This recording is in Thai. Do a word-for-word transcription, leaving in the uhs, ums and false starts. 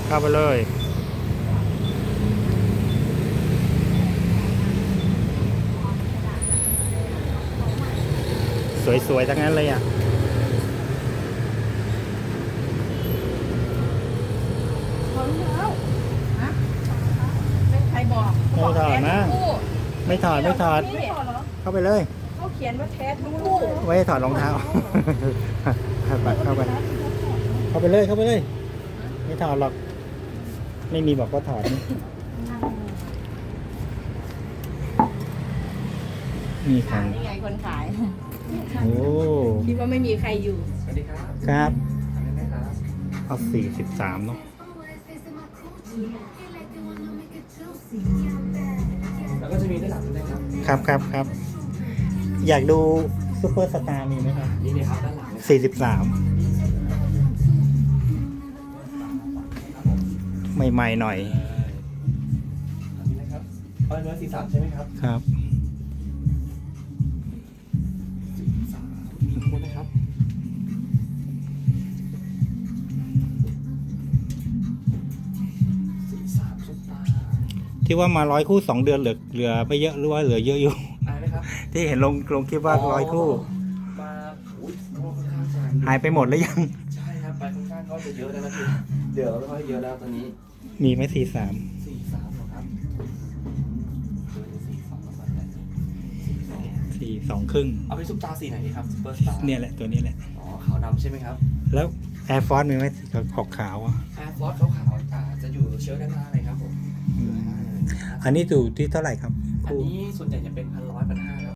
เข้าไปเลยสวยๆทั้งนั้นเลยอ่ะใครบอกไม่ถอดนะไม่ถอดไม่ถอดไม่ถอดเหรอเข้าไปเลยเขาเขียนว่าแท้ทั้งคู่ไว้ถอดรองเท้าไปเข้าไปเข้าไปเลยเข้าไปเลยไม่ถอดหรอกไม่มีบอกว่าถอดนี่นี่ครับนี่ไงคนขายโอ้คิดว่าไม่มีใครอยู่สวัสดีครับครับทำได้ไหมครับเอาสี่สิบสามเนาะแล้วก็จะมีด้านหลังด้วยครับครับครับครับอยากดูซูเปอร์สตาร์มีไหมครับนี่เลยครับด้านหลังเลยสี่สิบสามใหม่ๆหน่อยอันนี้นะครับเออเนื้อสีสันใช่ไหมครับครับสีสันขอบคุณนะครับสีสันซุปตาที่ว่ามาร้อยคู่สองเดือนเหลือเหลือไม่เยอะหรือว่าเหลือเยอะอยู่อะไรนะครับที่เห็นลงลงคลิปว่าร้อยคู่มาอุ้ยค่อนข้างจะหายไปหมดแล้วยังใช่ครับไปค่อนข้างก็จะเยอะแล้วนะพี่เดี๋ยวเราไม่ค่อยเยอะแล้วตอนนี้มีไหมสี่สามสี่สามเหรอครับสี่สองประมาณไหนสี่สองครึ่งเอาไปซุปตาสีไหนดีครับซุปเปอร์สตาร์เนี่ยแหละตัวนี้แหละอ๋อขาวดำใช่ไหมครับแล้วแอร์ฟอร์มีไหมขอบขาวอ่ะแอร์ฟอร์สขาวๆอ่าจะอยู่เชื้อด้านหน้าเลยครับผมอืมอันนี้อยู่ที่เท่าไหร่ครับอันคู่นี้ส่วนใหญ่จะเป็น